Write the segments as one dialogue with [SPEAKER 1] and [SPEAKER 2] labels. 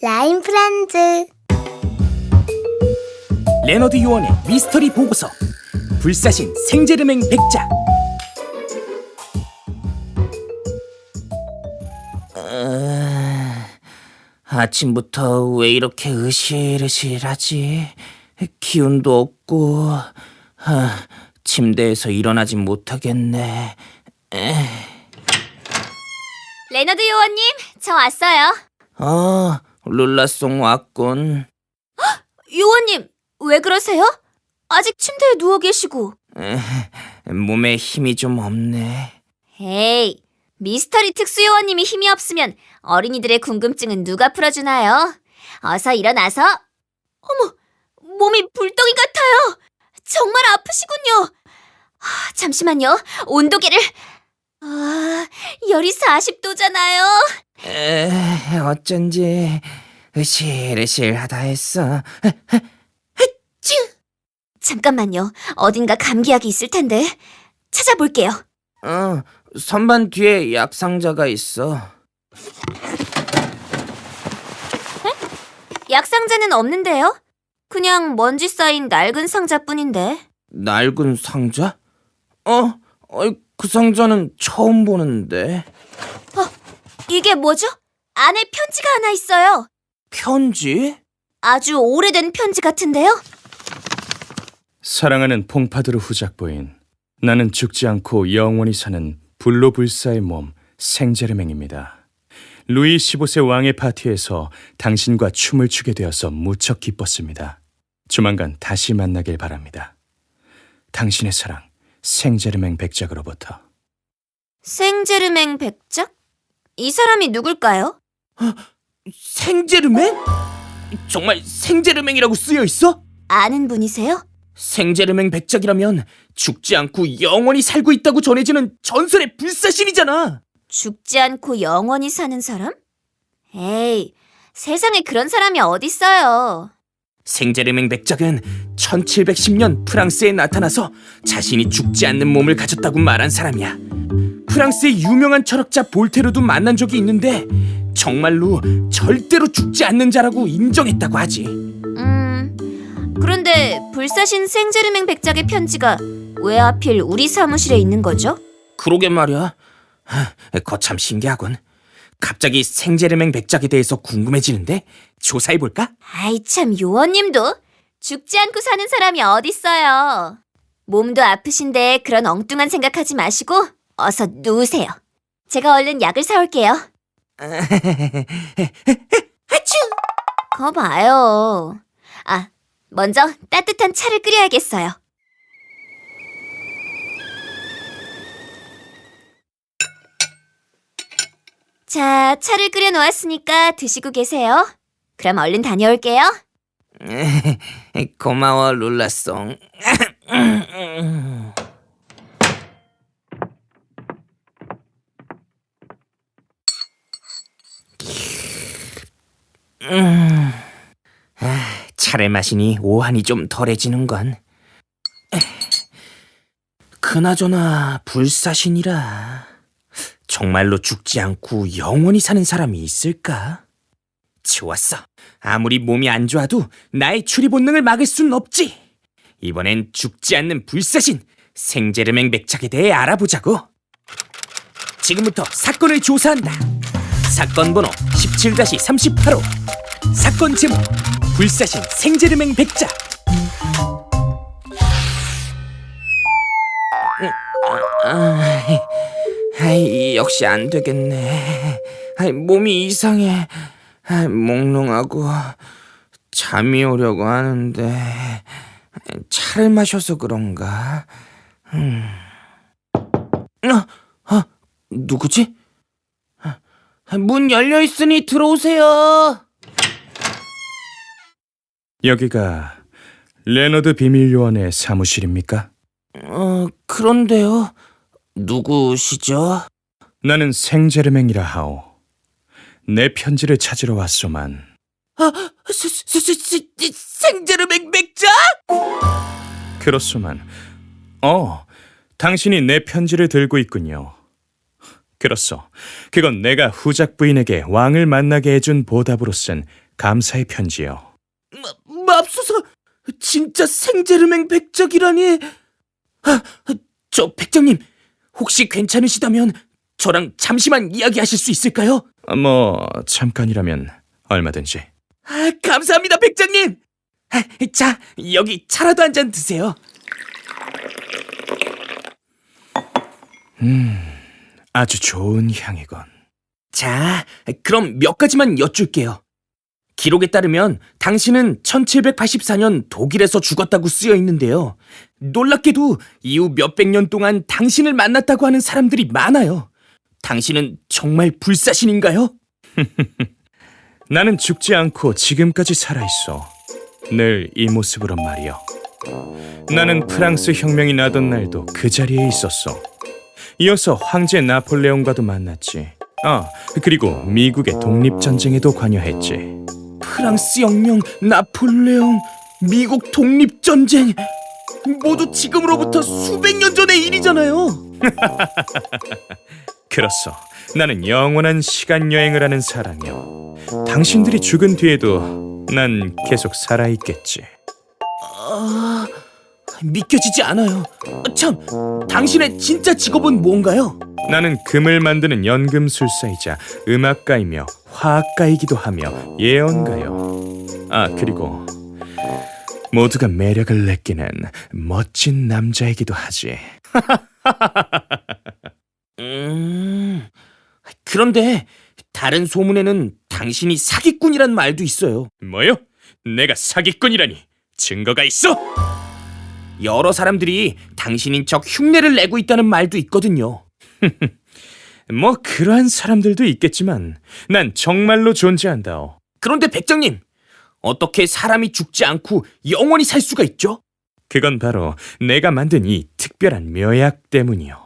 [SPEAKER 1] 라임 프렌즈.
[SPEAKER 2] 레너드 요원의 미스터리 보고서 불사신 생제르맹 백작. 아침부터 왜 이렇게 으실으실하지? 기운도 없고 침대에서 일어나지 못하겠네.
[SPEAKER 3] 레너드 요원님, 저 왔어요.
[SPEAKER 2] 룰라송 왔군.
[SPEAKER 3] 요원님, 왜 그러세요? 아직 침대에 누워 계시고.
[SPEAKER 2] 몸에 힘이 좀 없네.
[SPEAKER 3] 에이, 미스터리 특수 요원님이 힘이 없으면 어린이들의 궁금증은 누가 풀어주나요? 어서 일어나서. 어머, 몸이 불덩이 같아요. 정말 아프시군요. 잠시만요, 온도계를. 열이 40도잖아요.
[SPEAKER 2] 어쩐지 으실으실하다 했어.
[SPEAKER 3] 잠깐만요, 어딘가 감기약이 있을 텐데. 찾아볼게요.
[SPEAKER 2] 선반 뒤에 약 상자가 있어.
[SPEAKER 3] 약 상자는 없는데요? 그냥 먼지 쌓인 낡은 상자뿐인데.
[SPEAKER 2] 낡은 상자? 그 상자는 처음 보는데.
[SPEAKER 3] 이게 뭐죠? 안에 편지가 하나 있어요.
[SPEAKER 2] 편지?
[SPEAKER 3] 아주 오래된 편지 같은데요?
[SPEAKER 4] 사랑하는 퐁파드르 후작 부인, 나는 죽지 않고 영원히 사는 불로불사의 몸 생제르맹입니다. 루이 15세 왕의 파티에서 당신과 춤을 추게 되어서 무척 기뻤습니다. 조만간 다시 만나길 바랍니다. 당신의 사랑 생제르맹 백작으로부터.
[SPEAKER 3] 생제르맹 백작? 이 사람이 누굴까요?
[SPEAKER 2] 생제르맹? 정말 생제르맹이라고 쓰여 있어?
[SPEAKER 3] 아는 분이세요?
[SPEAKER 2] 생제르맹 백작이라면 죽지 않고 영원히 살고 있다고 전해지는 전설의 불사신이잖아.
[SPEAKER 3] 죽지 않고 영원히 사는 사람? 에이, 세상에 그런 사람이 어딨어요.
[SPEAKER 2] 생제르맹 백작은 1710년 프랑스에 나타나서 자신이 죽지 않는 몸을 가졌다고 말한 사람이야. 프랑스의 유명한 철학자 볼테르도 만난 적이 있는데 정말로 절대로 죽지 않는 자라고 인정했다고 하지.
[SPEAKER 3] 그런데 불사신 생제르맹 백작의 편지가 왜 하필 우리 사무실에 있는 거죠?
[SPEAKER 2] 그러게 말이야. 거참 신기하군. 갑자기 생제르맹 백작에 대해서 궁금해지는데 조사해볼까?
[SPEAKER 3] 아이 참, 요원님도 죽지 않고 사는 사람이 어딨어요. 몸도 아프신데 그런 엉뚱한 생각하지 마시고 어서 누우세요. 제가 얼른 약을 사올게요. 거 봐요. 먼저 따뜻한 차를 끓여야겠어요. 자, 차를 끓여 놓았으니까 드시고 계세요. 그럼 얼른 다녀올게요.
[SPEAKER 2] 고마워 룰라송. 차를 마시니 오한이 좀 덜해지는건. 그나저나 불사신이라 정말로 죽지 않고 영원히 사는 사람이 있을까? 좋았어. 아무리 몸이 안 좋아도 나의 추리 본능을 막을 순 없지. 이번엔 죽지 않는 불사신 생제르맹 백작에 대해 알아보자고. 지금부터 사건을 조사한다. 사건 번호 17-38호. 사건 제목 불사신 생제르맹 백작. 역시 안 되겠네. 몸이 이상해. 몽롱하고 잠이 오려고 하는데 차를 마셔서 그런가? 누구지? 문 열려 있으니 들어오세요.
[SPEAKER 4] 여기가 레너드 비밀요원의 사무실입니까?
[SPEAKER 2] 그런데요. 누구시죠?
[SPEAKER 4] 나는 생제르맹이라 하오. 내 편지를 찾으러 왔소만.
[SPEAKER 2] 생제르맹 백작?
[SPEAKER 4] 그렇소만. 당신이 내 편지를 들고 있군요. 그렇소. 그건 내가 후작 부인에게 왕을 만나게 해준 보답으로 쓴 감사의 편지요.
[SPEAKER 2] 맙소사, 진짜 생제르맹 백작이라니. 저 백작님, 혹시 괜찮으시다면 저랑 잠시만 이야기하실 수 있을까요?
[SPEAKER 4] 뭐 잠깐이라면 얼마든지.
[SPEAKER 2] 감사합니다, 백작님. 자, 여기 차라도 한 잔 드세요.
[SPEAKER 4] 아주 좋은 향이군.
[SPEAKER 2] 자, 그럼 몇 가지만 여쭐게요. 기록에 따르면 당신은 1784년 독일에서 죽었다고 쓰여 있는데요. 놀랍게도 이후 몇백 년 동안 당신을 만났다고 하는 사람들이 많아요. 당신은 정말 불사신인가요?
[SPEAKER 4] 나는 죽지 않고 지금까지 살아있어. 늘 이 모습으로 말이여. 나는 프랑스 혁명이 나던 날도 그 자리에 있었어. 이어서 황제 나폴레옹과도 만났지. 그리고 미국의 독립전쟁에도 관여했지.
[SPEAKER 2] 프랑스 혁명, 나폴레옹, 미국 독립전쟁, 모두 지금으로부터 수백 년 전의 일이잖아요.
[SPEAKER 4] 그렇소. 나는 영원한 시간 여행을 하는 사람이요. 당신들이 죽은 뒤에도 난 계속 살아있겠지.
[SPEAKER 2] 믿겨지지 않아요. 참, 당신의 진짜 직업은 뭔가요?
[SPEAKER 4] 나는 금을 만드는 연금술사이자 음악가이며 화학가이기도 하며 예언가요. 그리고 모두가 매력을 느끼는 멋진 남자이기도 하지.
[SPEAKER 2] 그런데 다른 소문에는 당신이 사기꾼이란 말도 있어요.
[SPEAKER 4] 뭐요? 내가 사기꾼이라니? 증거가 있어?
[SPEAKER 2] 여러 사람들이 당신인 척 흉내를 내고 있다는 말도 있거든요.
[SPEAKER 4] 뭐 그러한 사람들도 있겠지만 난 정말로 존재한다오.
[SPEAKER 2] 그런데 백장님, 어떻게 사람이 죽지 않고 영원히 살 수가 있죠?
[SPEAKER 4] 그건 바로 내가 만든 이 특별한 묘약 때문이요.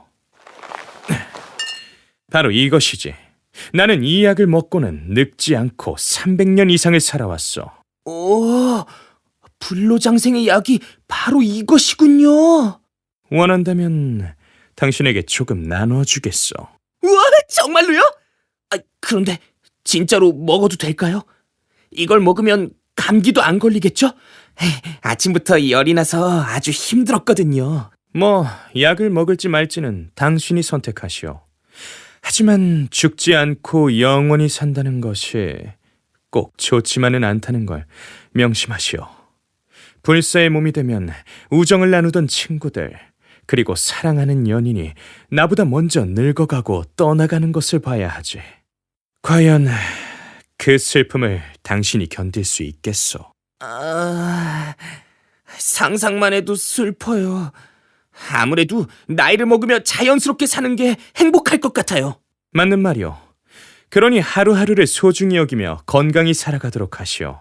[SPEAKER 4] 바로 이것이지. 나는 이 약을 먹고는 늙지 않고 300년 이상을 살아왔어.
[SPEAKER 2] 오, 불로장생의 약이 바로 이것이군요.
[SPEAKER 4] 원한다면 당신에게 조금 나눠주겠어.
[SPEAKER 2] 우와, 정말로요? 그런데 진짜로 먹어도 될까요? 이걸 먹으면 감기도 안 걸리겠죠? 아침부터 열이 나서 아주 힘들었거든요.
[SPEAKER 4] 뭐 약을 먹을지 말지는 당신이 선택하시오. 하지만 죽지 않고 영원히 산다는 것이 꼭 좋지만은 않다는 걸 명심하시오. 불사의 몸이 되면 우정을 나누던 친구들, 그리고 사랑하는 연인이 나보다 먼저 늙어가고 떠나가는 것을 봐야 하지. 과연 그 슬픔을 당신이 견딜 수 있겠소?
[SPEAKER 2] 상상만 해도 슬퍼요. 아무래도 나이를 먹으며 자연스럽게 사는 게 행복할 것 같아요.
[SPEAKER 4] 맞는 말이오. 그러니 하루하루를 소중히 여기며 건강히 살아가도록 하시오.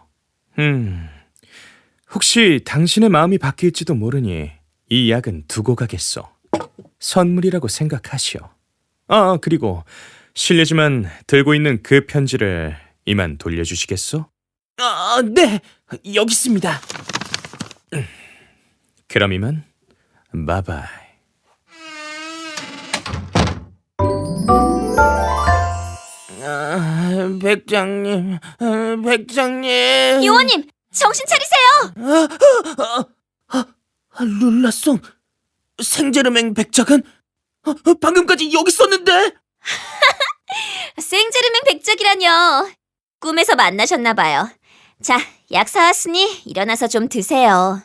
[SPEAKER 4] 혹시 당신의 마음이 바뀔지도 모르니 이 약은 두고 가겠소. 선물이라고 생각하시오. 그리고 실례지만 들고 있는 그 편지를 이만 돌려주시겠소?
[SPEAKER 2] 네, 여기 있습니다.
[SPEAKER 4] 그럼 이만 바이바이.
[SPEAKER 2] 백장님, 백장님.
[SPEAKER 3] 요원님, 정신 차리세요.
[SPEAKER 2] 룰라송, 생제르맹 백작은 방금까지 여기 있었는데.
[SPEAKER 3] 생제르맹 백작이라뇨. 꿈에서 만나셨나 봐요. 자, 약 사왔으니 일어나서 좀 드세요.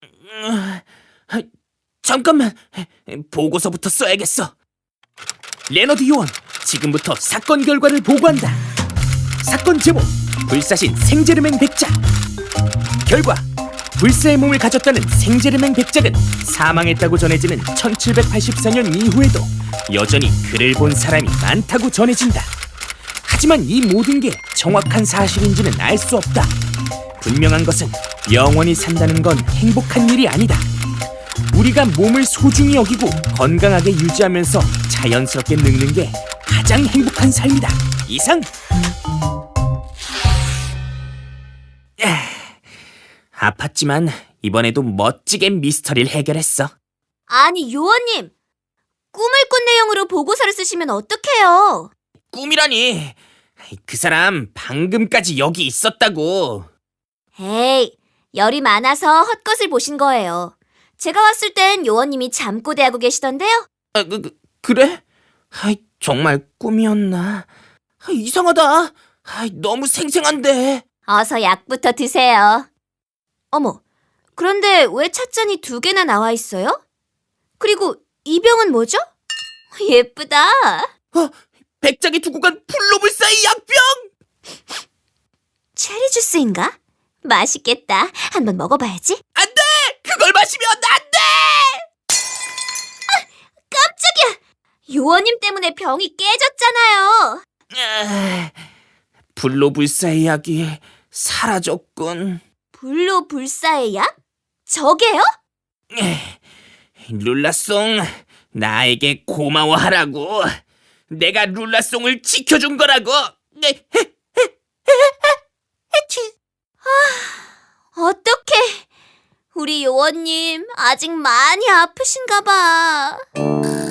[SPEAKER 2] 잠깐만, 보고서부터 써야겠어. 레너드 요원, 지금부터 사건 결과를 보고한다. 사건 제목, 불사신 생제르맹 백작. 결과, 불사의 몸을 가졌다는 생제르맹 백작은 사망했다고 전해지는 1784년 이후에도 여전히 그를 본 사람이 많다고 전해진다. 하지만 이 모든 게 정확한 사실인지는 알 수 없다. 분명한 것은 영원히 산다는 건 행복한 일이 아니다. 우리가 몸을 소중히 여기고 건강하게 유지하면서 자연스럽게 늙는 게 가장 행복한 삶이다. 이상. 아팠지만 이번에도 멋지게 미스터리를 해결했어.
[SPEAKER 3] 아니, 요원님. 꿈을 꾼 내용으로 보고서를 쓰시면 어떡해요?
[SPEAKER 2] 꿈이라니. 그 사람 방금까지 여기 있었다고.
[SPEAKER 3] 에이, 열이 많아서 헛것을 보신 거예요. 제가 왔을 땐 요원님이 잠꼬대하고 계시던데요.
[SPEAKER 2] 그래? 정말 꿈이었나? 이상하다. 너무 생생한데.
[SPEAKER 3] 어서 약부터 드세요. 어머, 그런데 왜 찻잔이 2개나 나와 있어요? 그리고 이 병은 뭐죠? 예쁘다.
[SPEAKER 2] 백작이 두고 간 풀로불사의 약병!
[SPEAKER 3] 체리 주스인가? 맛있겠다. 한번 먹어봐야지.
[SPEAKER 2] 안 돼! 그걸 마시면 안 돼!
[SPEAKER 3] 깜짝이야! 요원님 때문에 병이 깨졌잖아요.
[SPEAKER 2] 불로불사의 약이 사라졌군.
[SPEAKER 3] 불로 불사의 약? 저게요?
[SPEAKER 2] 룰라송, 나에게 고마워하라고. 내가 룰라송을 지켜준 거라고.
[SPEAKER 3] 어떡해. 우리 요원님 아직 많이 아프신가 봐.